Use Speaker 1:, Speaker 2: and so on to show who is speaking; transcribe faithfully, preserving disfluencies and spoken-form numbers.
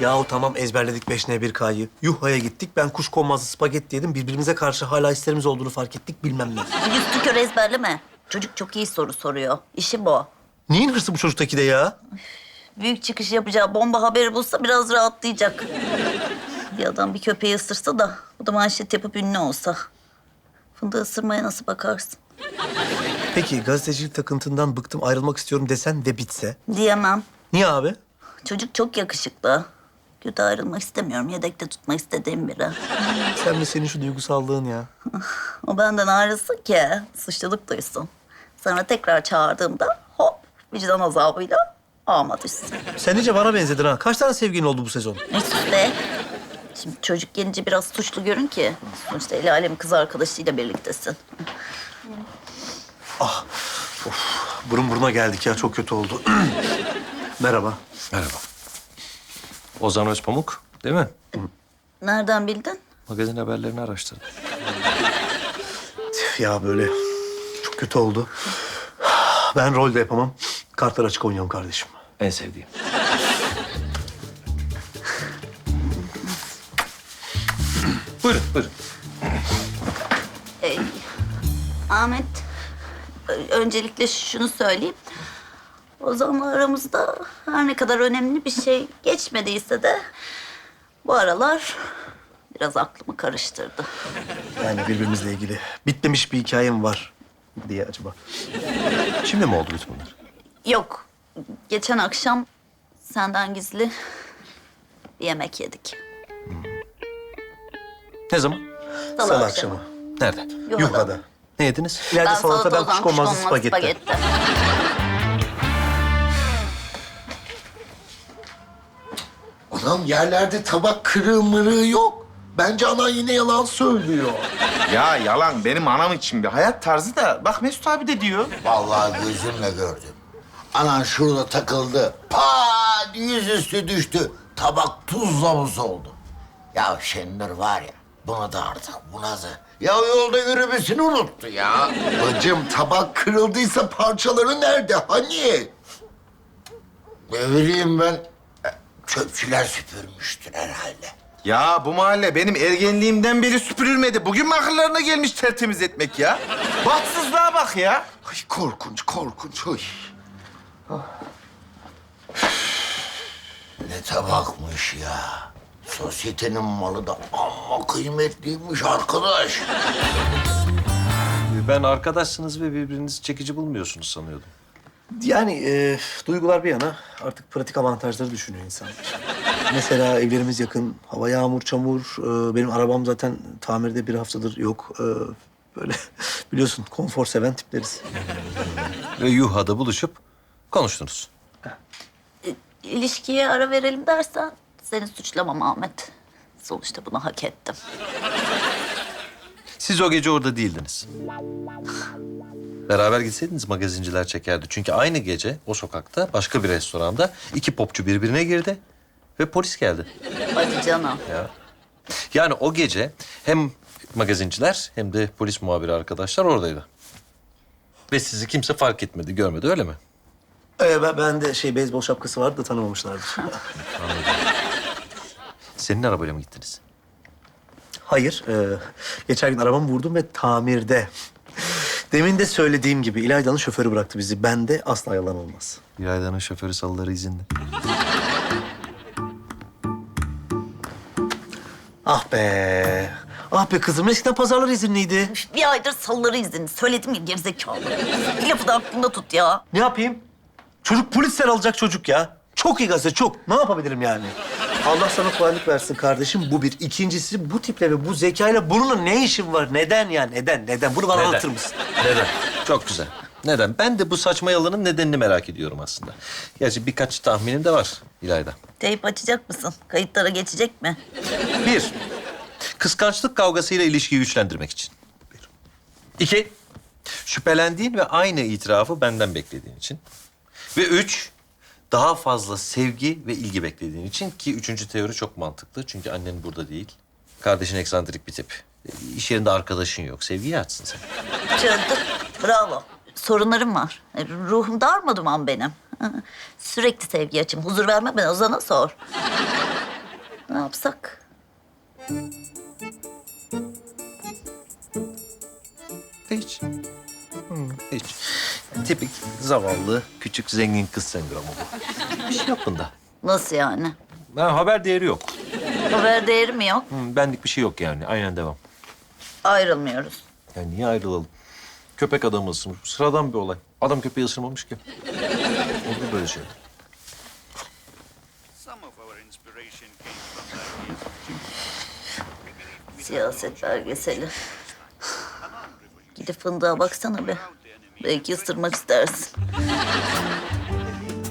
Speaker 1: Yahu tamam ezberledik beş N bir K'yı. Yuha'ya gittik. Ben kuşkonmazlı spagetti yedim. Birbirimize karşı hala hislerimiz olduğunu fark ettik. Bilmem ne.
Speaker 2: Yüz tükör ezberleme. Çocuk çok iyi soru soruyor. İşi bu.
Speaker 1: Neyin hırsı bu çocuktaki de ya?
Speaker 2: Büyük çıkış yapacağı bomba haberi bulsa biraz rahatlayacak. Bir adam bir köpeği ısırsa da bu da manşet yapıp ünlü olsa. Fındığı ısırmaya nasıl bakarsın?
Speaker 1: Peki gazetecilik takıntından bıktım ayrılmak istiyorum desen ve bitse?
Speaker 2: Diyemem.
Speaker 1: Niye abi?
Speaker 2: Çocuk çok yakışıklı. Kötü ayrılmak istemiyorum. Yedekte tutmak istediğim biri.
Speaker 1: Sen mi senin şu duygusallığın ya?
Speaker 2: O benden ayrılsın ki suçluluk duysun. Sonra tekrar çağırdığımda hop vicdan azabıyla ağıma düşsün.
Speaker 1: Sen iyice bana benzedin ha. Kaç tane sevgilin oldu bu sezon?
Speaker 2: Ne sus be. Şimdi çocuk gelince biraz suçlu görün ki. Sonuçta el alemin kız arkadaşıyla birliktesin.
Speaker 1: Burun buruna geldik ya. Çok kötü oldu. Merhaba.
Speaker 3: Merhaba. Ozan Özpamuk, değil mi?
Speaker 2: Nereden bildin?
Speaker 3: Magazin haberlerini araştırdım.
Speaker 1: Tüh ya böyle çok kötü oldu. Ben rol de yapamam. Kartlar açık oynayalım kardeşim.
Speaker 3: En sevdiğim. Buyurun, buyurun.
Speaker 2: Ee, Ahmet, ö- öncelikle şunu söyleyeyim. Ozan'la aramızda her ne kadar önemli bir şey geçmediyse de... ...bu aralar biraz aklımı karıştırdı.
Speaker 1: Yani birbirimizle ilgili bitmemiş bir hikayem var diye acaba.
Speaker 3: Şimdi mi oldu bütün bunlar?
Speaker 2: Yok, geçen akşam senden gizli bir yemek yedik.
Speaker 3: Ne zaman?
Speaker 2: Salı,
Speaker 1: Salı
Speaker 2: akşamı.
Speaker 1: akşamı.
Speaker 3: Nerede?
Speaker 2: Yuha'da.
Speaker 1: Yuha'da.
Speaker 3: Ne yediniz?
Speaker 1: İleride salata, ben
Speaker 2: Ozan,
Speaker 1: kuşkonmazlı spagetti.
Speaker 4: Anam yerlerde tabak kırığı mırığı yok. Bence anan yine yalan söylüyor.
Speaker 5: Ya yalan benim anam için bir hayat tarzı da bak Mesut abi de diyor.
Speaker 4: Vallahi gözümle gördüm. Anan şurada takıldı. Pat yüzüstü düştü. Tabak tuzla buz oldu. Ya Şenur var ya buna da artık buna da. Ya yolda yürümesini unuttu ya. Bacım tabak kırıldıysa parçaları nerede hani? Ne bileyim ben. Çöpçüler süpürmüştür herhalde.
Speaker 5: Ya bu mahalle benim ergenliğimden beri süpürülmedi. Bugün mü akıllarına gelmiş tertemiz etmek ya? Bahtsızlığa bak ya.
Speaker 4: Ay korkunç, korkunç. Ay. Ne tabakmış ya. Sosyetenin malı da amma kıymetliymiş arkadaş.
Speaker 3: Ben arkadaşsınız ve birbirinizi çekici bulmuyorsunuz sanıyordum.
Speaker 1: Yani e, duygular bir yana artık pratik avantajları düşünüyor insan. Mesela evlerimiz yakın, hava yağmur, çamur. E, benim arabam zaten tamirde bir haftadır yok. E, böyle biliyorsun konfor seven tipleriz.
Speaker 3: Ve Yuha'da buluşup konuştunuz.
Speaker 2: İlişkiye ara verelim dersen seni suçlamam Ahmet. Sonuçta bunu hak ettim.
Speaker 3: Siz o gece orada değildiniz. Beraber gitseydiniz magazinciler çekerdi. Çünkü aynı gece o sokakta başka bir restoranda iki popçu birbirine girdi ve polis geldi.
Speaker 2: Hadi canım.
Speaker 3: Ya. Yani o gece hem magazinciler hem de polis muhabiri arkadaşlar oradaydı. Ve sizi kimse fark etmedi, görmedi öyle mi?
Speaker 1: E, ben, ben de şey beyzbol şapkası vardı da tanımamışlardır.
Speaker 3: Senin arabayla mı gittiniz?
Speaker 1: Hayır, e, geçen gün arabamı vurdum ve tamirde. Demin de söylediğim gibi İlayda'nın şoförü bıraktı bizi. Bende asla yalan olmaz.
Speaker 3: İlayda'nın şoförü salıları izinli.
Speaker 1: Ah be. Ah be kızım. Eskiden pazarlar izinliydi.
Speaker 2: Bir aydır salıları izin. Söyledim ya gerizekalı. Bir lafı da aklında tut ya.
Speaker 1: Ne yapayım? Çocuk polisten alacak çocuk ya. Çok iyi gazete, çok. Ne yapabilirim yani? Allah sana kolaylık versin kardeşim. Bu bir. İkincisi bu tiple ve bu zekayla bununla ne işin var? Neden ya? Neden? Neden? Bunu bana
Speaker 3: Neden?
Speaker 1: anlatır mısın?
Speaker 3: Neden? Çok güzel. Neden? Ben de bu saçma yalanın nedenini merak ediyorum aslında. Gerçi birkaç tahminim de var İlayda.
Speaker 2: Teyip açacak mısın? Kayıtlara geçecek mi?
Speaker 3: Bir, kıskançlık kavgasıyla ilişkiyi güçlendirmek için. Bir. İki, şüphelendiğin ve aynı itirafı benden beklediğin için. Ve üç, daha fazla sevgi ve ilgi beklediğin için ki üçüncü teori çok mantıklı. Çünkü annen burada değil. Kardeşin eksantrik bir tip. İş yerinde arkadaşın yok. Sevgiyi açsın sen.
Speaker 2: Çözdüm. Bravo. Sorunlarım var. E, Ruhum darma duman benim. Sürekli sevgi açım. Huzur verme ben Ozan'a sor. Ne yapsak?
Speaker 3: Hiç. Hı, hiç. Tipik zavallı, küçük, zengin kız sendromu bu. Bir şey yok bunda.
Speaker 2: Nasıl yani?
Speaker 3: Ha, haber değeri yok.
Speaker 2: Haber değeri mi yok?
Speaker 3: Hı, benlik bir şey yok yani. Aynen devam.
Speaker 2: Ayrılmıyoruz.
Speaker 3: Yani niye ayrılalım? Köpek adamı ısırmış. Sıradan bir olay. Adam köpeği ısırmamış ki. Olur böyle şey.
Speaker 6: Some of our inspiration came from the
Speaker 2: Siyaset belgeseli. Gidip fındığa baksana be. Belki ısırmak istersin.